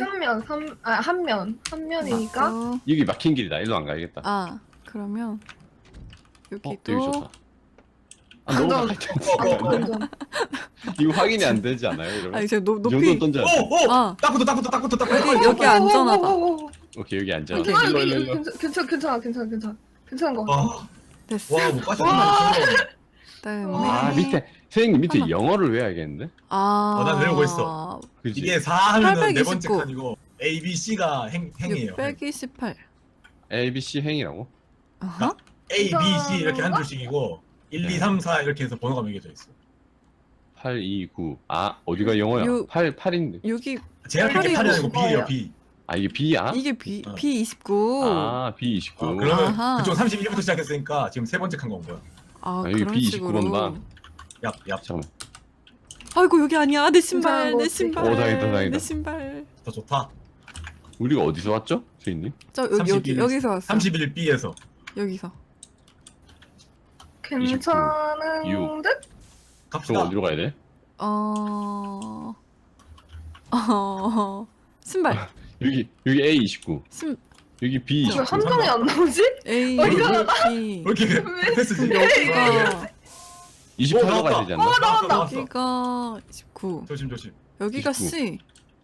Speaker 2: 한 면이니까.
Speaker 3: 맞고.
Speaker 4: 여기 막힌 길이다. 일로 안 가야겠다.
Speaker 3: 아 그러면
Speaker 4: 여기
Speaker 3: 여기도
Speaker 4: 좋다. 아, 너무
Speaker 2: 완전-
Speaker 4: 가까이 던지면
Speaker 2: 완전.
Speaker 4: 이거 확인이 안 되지 않아요? 이러면?
Speaker 3: 아니 제가
Speaker 4: 이 정도
Speaker 3: 높이
Speaker 4: 던져야 돼.
Speaker 1: 오!
Speaker 3: 아.
Speaker 1: 딱붙어.
Speaker 3: 여기 안전하다.
Speaker 4: 오케이, 여기 앉아.
Speaker 3: 오케이.
Speaker 4: 일로, 일로, 일로.
Speaker 2: 괜찮은 거.
Speaker 3: 됐어.
Speaker 1: 와, 못 빠져.
Speaker 3: 그다음에
Speaker 4: 아, 밑에. 선생님 밑에
Speaker 3: 하나.
Speaker 4: 영어를 외워야겠는데?
Speaker 1: 난 외우고 있어.
Speaker 4: 그지?
Speaker 1: 이게 4 하면은 네 번째
Speaker 3: 829.
Speaker 1: 칸이고 A, B, C가 행이에요.
Speaker 3: 628.
Speaker 4: A, B, C 행이라고?
Speaker 3: 아하.
Speaker 1: A, B, C 이렇게 한 줄씩이고 1, 2, 3, 4 이렇게 해서 번호가 매겨져 있어.
Speaker 4: 8, 2, 9. 아, 어디가 영어야?
Speaker 3: 요-
Speaker 4: 8인데.
Speaker 3: 여기
Speaker 1: 제가 그렇게
Speaker 2: 팔이
Speaker 1: 팔이 아니고 B예요,
Speaker 2: 뭐예요?
Speaker 1: B.
Speaker 4: 아, 이게 B야?
Speaker 3: 이게 B29.
Speaker 4: 아, B29.
Speaker 1: 그러면
Speaker 3: 아하.
Speaker 1: 그쪽 31부터 시작했으니까 지금 세 번째 칸 건 거야.
Speaker 3: 아,
Speaker 4: 여기
Speaker 3: 그런
Speaker 4: B29
Speaker 3: 식으로.
Speaker 4: 번방.
Speaker 1: 얍.
Speaker 4: 잠깐만.
Speaker 3: 아이고 여기 아니야. 내 신발.
Speaker 2: 괜찮은
Speaker 3: 내
Speaker 2: 거지.
Speaker 3: 신발.
Speaker 4: 오, 다행이다, 다행이다.
Speaker 3: 내 신발.
Speaker 1: 더 좋다.
Speaker 4: 우리가 어디서 왔죠? 주인님?
Speaker 3: 저 여기
Speaker 1: 31.
Speaker 3: 여기서 왔어.
Speaker 1: 31B에서.
Speaker 3: 여기서.
Speaker 2: 괜찮은
Speaker 4: 유.
Speaker 2: 듯?
Speaker 4: 그럼
Speaker 1: 갑시다.
Speaker 4: 어디로 가야 돼?
Speaker 3: 신발.
Speaker 4: 여기 A29.
Speaker 3: 신
Speaker 4: 여기
Speaker 2: 왜
Speaker 4: B29.
Speaker 2: 함정이 안 나오지?
Speaker 3: A
Speaker 2: 어디가
Speaker 3: B.
Speaker 1: 왜 이렇게 패스지?
Speaker 3: 여기가
Speaker 4: 28로 가야
Speaker 1: 나왔다.
Speaker 4: 되지 않나?
Speaker 2: 나온다.
Speaker 3: 여기가 19.
Speaker 1: 조심.
Speaker 3: 여기가
Speaker 4: 29.
Speaker 3: C.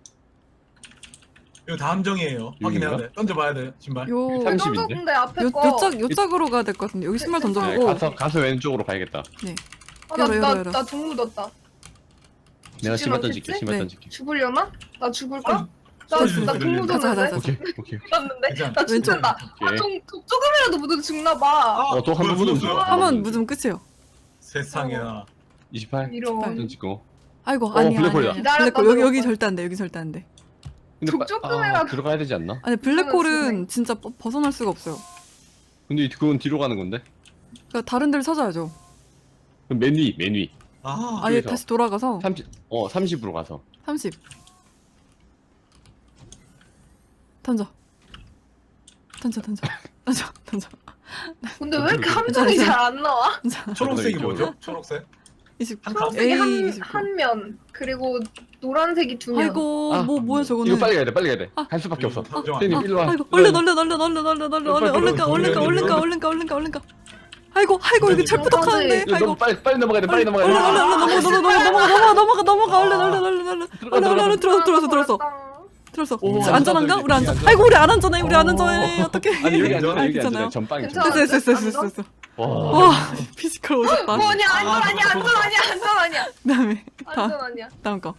Speaker 1: 이거 다 함정이에요. 확인해야
Speaker 4: 여기인가?
Speaker 1: 돼. 던져봐야 돼. 신발.
Speaker 3: 요
Speaker 4: 30인데?
Speaker 2: 근데 앞에 거.
Speaker 3: 요짝으로 가야 될 것 같은데. 여기 신발
Speaker 4: 네,
Speaker 3: 던져보고.
Speaker 4: 가서 왼쪽으로 가야겠다.
Speaker 3: 열어.
Speaker 2: 나 동무 뒀다.
Speaker 4: 내가
Speaker 2: 죽지
Speaker 4: 신발
Speaker 2: 않겠지?
Speaker 4: 던질게. 신발
Speaker 3: 네.
Speaker 4: 던질게.
Speaker 2: 죽으려나? 나 죽을까?
Speaker 1: 어,
Speaker 2: 나
Speaker 1: 소리
Speaker 2: 나
Speaker 1: 들리는데?
Speaker 2: 동무
Speaker 3: 가자,
Speaker 2: 뒀는데.
Speaker 3: 가자.
Speaker 4: 오케이.
Speaker 2: 놨는데?
Speaker 1: 괜찮아.
Speaker 2: 나 죽는다.
Speaker 4: 오케이.
Speaker 2: 조금이라도 묻어도 죽나봐.
Speaker 4: 또 한 번 묻으면
Speaker 1: 죽어.
Speaker 4: 죽어.
Speaker 3: 한번 묻으면 끝이에요.
Speaker 1: 세상에나.
Speaker 4: 28.
Speaker 2: 이런.
Speaker 4: 던지고.
Speaker 3: 아이고
Speaker 4: 블랙홀이다.
Speaker 3: 아니야.
Speaker 2: 기다렸다
Speaker 3: 블랙홀 여기
Speaker 2: 들어가.
Speaker 3: 절대 안 돼. 여기 절대 안 돼.
Speaker 4: 근데
Speaker 2: 조금이라도.
Speaker 4: 들어가야 되지 않나?
Speaker 3: 아니 블랙홀은 진짜 벗어날 수가 없어요.
Speaker 4: 근데 그건 뒤로 가는 건데?
Speaker 3: 그러니까 다른 데를 찾아야죠.
Speaker 4: 그럼 맨 위.
Speaker 1: 아,
Speaker 3: 아예
Speaker 4: 여기서.
Speaker 3: 다시 돌아가서
Speaker 4: 30으로 가서.
Speaker 3: 30. 던져.
Speaker 2: 근데 왜 이렇게 함정이 잘 안 나와?
Speaker 1: 초록색이
Speaker 4: 이쪽으로.
Speaker 1: 뭐죠? 초록색?
Speaker 3: 20.
Speaker 1: 한 칸?
Speaker 2: 초록색이
Speaker 3: A 29.
Speaker 2: 한 면, 그리고 노란색이 두 면.
Speaker 3: 아이고
Speaker 4: 아,
Speaker 3: 뭐야 저거는.
Speaker 4: 이거 빨리 가야 돼.
Speaker 3: 아.
Speaker 4: 갈 수밖에 없어.
Speaker 1: 함정
Speaker 4: 선생님
Speaker 1: 아니야?
Speaker 4: 일로 와.
Speaker 3: 아이고 얼른 가. 아이고 여기 철부덕하는데.
Speaker 4: 이거
Speaker 3: 아이고
Speaker 4: 너무 빨리 넘어가야 돼. 빨리 넘어가야
Speaker 3: 얼른
Speaker 4: 돼.
Speaker 3: 넘어가 얼른 들어서.
Speaker 4: 오,
Speaker 3: 안전한가? 우리 안전.
Speaker 4: 안전.
Speaker 3: 아이고 우리 안 안전해. 어떡해.
Speaker 4: 아니 여기
Speaker 1: 괜찮아?
Speaker 4: 앉아. 여기
Speaker 3: 괜찮아요?
Speaker 4: 앉아. 전방이
Speaker 2: 괜찮아.
Speaker 3: 됐어.
Speaker 4: 와.
Speaker 3: 와 피지컬 오셨다.
Speaker 2: 뭐냐, 안전 아니야.
Speaker 3: 그다음에
Speaker 2: 안전 아니야.
Speaker 3: 다음 거.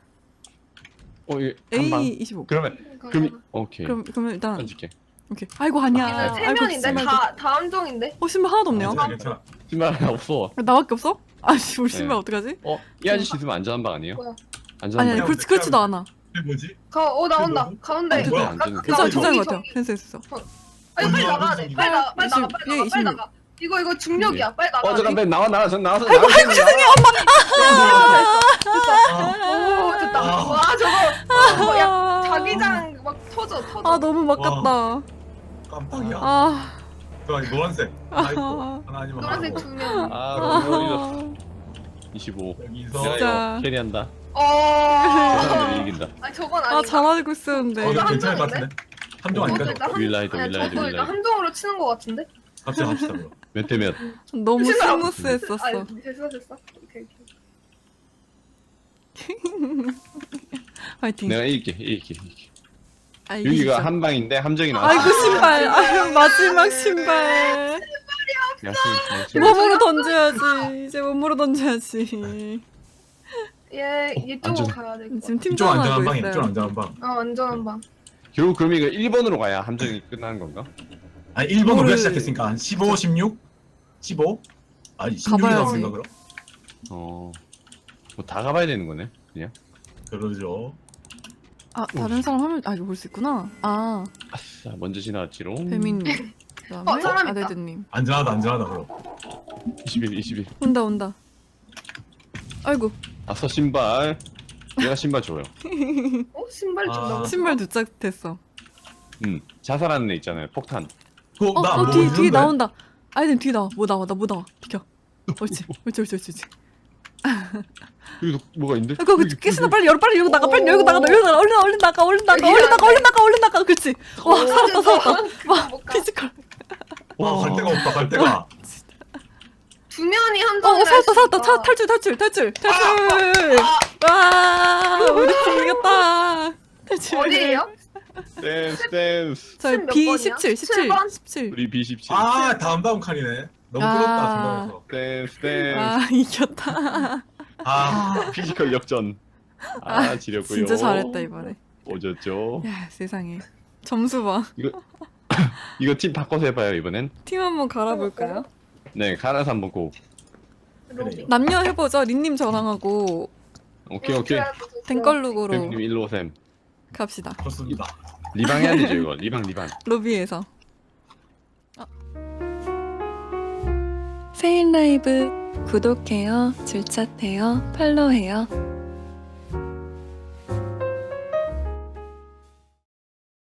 Speaker 4: 이게 한 방.
Speaker 3: A 25.
Speaker 4: 그러면 오케이.
Speaker 3: 그러면 일단
Speaker 4: 던질게.
Speaker 3: 오케이. 아이고 아니야.
Speaker 2: 얘는 세
Speaker 3: 아이고,
Speaker 2: 면인데
Speaker 3: 신발.
Speaker 2: 다 함정인데.
Speaker 3: 신발 하나도 없네요.
Speaker 1: 괜찮아.
Speaker 4: 신발 하나 없어.
Speaker 3: 나밖에 없어? 아씨 우리
Speaker 4: 네.
Speaker 3: 신발 어떡하지?
Speaker 4: 이 아저씨 있으면 안전한 방 아니에요?
Speaker 2: 뭐야?
Speaker 4: 안전한
Speaker 3: 아니
Speaker 4: 방.
Speaker 3: 그렇지도 않아.
Speaker 1: 이게 뭐지?
Speaker 2: 나온다. 가운데.
Speaker 4: 안
Speaker 1: 뭐야?
Speaker 4: 되네.
Speaker 3: 괜찮은 것 같아요. 됐어.
Speaker 2: 빨리 나가야 돼. 빨리 나가.
Speaker 3: 얘
Speaker 2: 빨리 나가. 이거 중력이야. 빨리 나가.
Speaker 4: 잠깐 나와. 전 나와서.
Speaker 3: 아이고 죄송해요.
Speaker 2: 오, 됐다.
Speaker 1: 아.
Speaker 2: 와, 저거. 야, 자기장 막 터져.
Speaker 3: 아 너무 막깝다.
Speaker 1: 깜빡이야.
Speaker 3: 아.
Speaker 1: 노란색. 하나 있고. 하나 아니면
Speaker 2: 노란색
Speaker 1: 하나고.
Speaker 2: 두 면.
Speaker 4: 너무 25.
Speaker 1: 여기서.
Speaker 4: 내가
Speaker 3: 진짜.
Speaker 4: 이거 캐리한다.
Speaker 2: 어.
Speaker 4: 사람들이 이긴다.
Speaker 2: 아니, 저건
Speaker 3: 아
Speaker 2: 아니다.
Speaker 3: 잘하고 있었는데.
Speaker 1: 이거 괜찮을 것 같은데? 함정 아닐까?
Speaker 2: 저것도 일단
Speaker 4: 윌라이드,
Speaker 2: 아니,
Speaker 4: 윌라이드,
Speaker 2: 저거 일단
Speaker 4: 윌라이드.
Speaker 2: 함정으로 치는 것 같은데?
Speaker 1: 갑시다 그럼.
Speaker 4: 몇 대 몇?
Speaker 3: 너무
Speaker 2: 신발
Speaker 3: 스무스했었어.
Speaker 2: 아니, 됐어. 오케이.
Speaker 3: 화이팅.
Speaker 4: 내가 이길게.
Speaker 3: 아,
Speaker 4: 여기가
Speaker 3: 이기자.
Speaker 4: 한 방인데 함정이 나왔어.
Speaker 3: 아이고 신발. 아유 마지막 신발.
Speaker 4: 야,
Speaker 3: 몸으로 던져야지. 이제 몸으로 던져야지.
Speaker 2: 얘 이쪽으로 가야 돼.
Speaker 3: 지금
Speaker 1: 이쪽
Speaker 3: 팀장
Speaker 1: 안전한
Speaker 3: 하고
Speaker 1: 방이야. 이쪽
Speaker 3: 있어요.
Speaker 1: 안전한 방.
Speaker 2: 안전한 방.
Speaker 4: 결국 그럼 이거 1번으로 가야 함정이 끝나는 건가?
Speaker 1: 아니 1번 우리가
Speaker 3: 뭐를-
Speaker 1: 시작했으니까 한 15, 16? 15? 아니 16이
Speaker 3: 가봐야지.
Speaker 1: 나오는가 그럼?
Speaker 4: 뭐 다 가봐야 되는 거네. 그냥.
Speaker 1: 그러죠.
Speaker 3: 아 다른 사람 하면 이거 볼 수 있구나. 아
Speaker 4: 아싸, 먼저 지나갔지롱.
Speaker 3: 배민님. 그다음에
Speaker 2: 사람 있다.
Speaker 3: 아데드님.
Speaker 1: 안전하다 그럼.
Speaker 4: 21.
Speaker 3: 온다. 아이고
Speaker 4: 아싸 신발. 내가 신발 줘요.
Speaker 2: 신발
Speaker 1: 아.
Speaker 2: 준다고.
Speaker 3: 신발 두 짝 됐어.
Speaker 4: 자살하는 애 있잖아요. 폭탄.
Speaker 1: 나뭐
Speaker 3: 뒤에 나온다. 아이들 뒤에 나와. 뭐 나와. 비켜. 옳지.
Speaker 4: 여기 뭐가 있는데?
Speaker 3: 이거 깨스나 빨리 열어 빨리 열고 나가 빨리 열고 나가 얼른 나가 얼른 나가 얼른 나가 얼른 나가 얼른 나가 얼른 나가 그렇지. 와 살았다 살았다. 와 피지컬.
Speaker 1: 와갈 데가 없다 갈 데가.
Speaker 2: 두 면이 함정이라.
Speaker 3: 살았다 살았다 탈출. 와 우리 팀 이겼다. 탈출.
Speaker 2: 어디에요?
Speaker 4: 댄스.
Speaker 3: 저희
Speaker 2: 몇
Speaker 3: B17
Speaker 2: 번이야?
Speaker 3: 17.
Speaker 4: 우리 B17.
Speaker 1: 아 다음 칸이네. 너무
Speaker 3: 아.
Speaker 1: 끌었다 중간에서.
Speaker 4: 댄스.
Speaker 3: 아 이겼다.
Speaker 1: 아
Speaker 4: 피지컬 역전. 아 지렸고요.
Speaker 3: 진짜 잘했다 이번에.
Speaker 4: 오졌죠.
Speaker 3: 야 세상에 점수 봐.
Speaker 4: 이거 팀 바꿔서 해봐요 이번엔.
Speaker 3: 팀 한번 갈아볼까요?
Speaker 4: 네 갈아서 한번 고.
Speaker 2: 로비.
Speaker 3: 남녀 해보죠. 린님 저랑하고
Speaker 4: 오케이.
Speaker 3: 댕걸룩으로
Speaker 4: 님 일로 오셈.
Speaker 3: 갑시다.
Speaker 1: 좋습니다.
Speaker 4: 리방 해야 되죠 이거. 리방.
Speaker 3: 로비에서. 세인 라이브 구독해요, 줄차해요, 팔로우해요.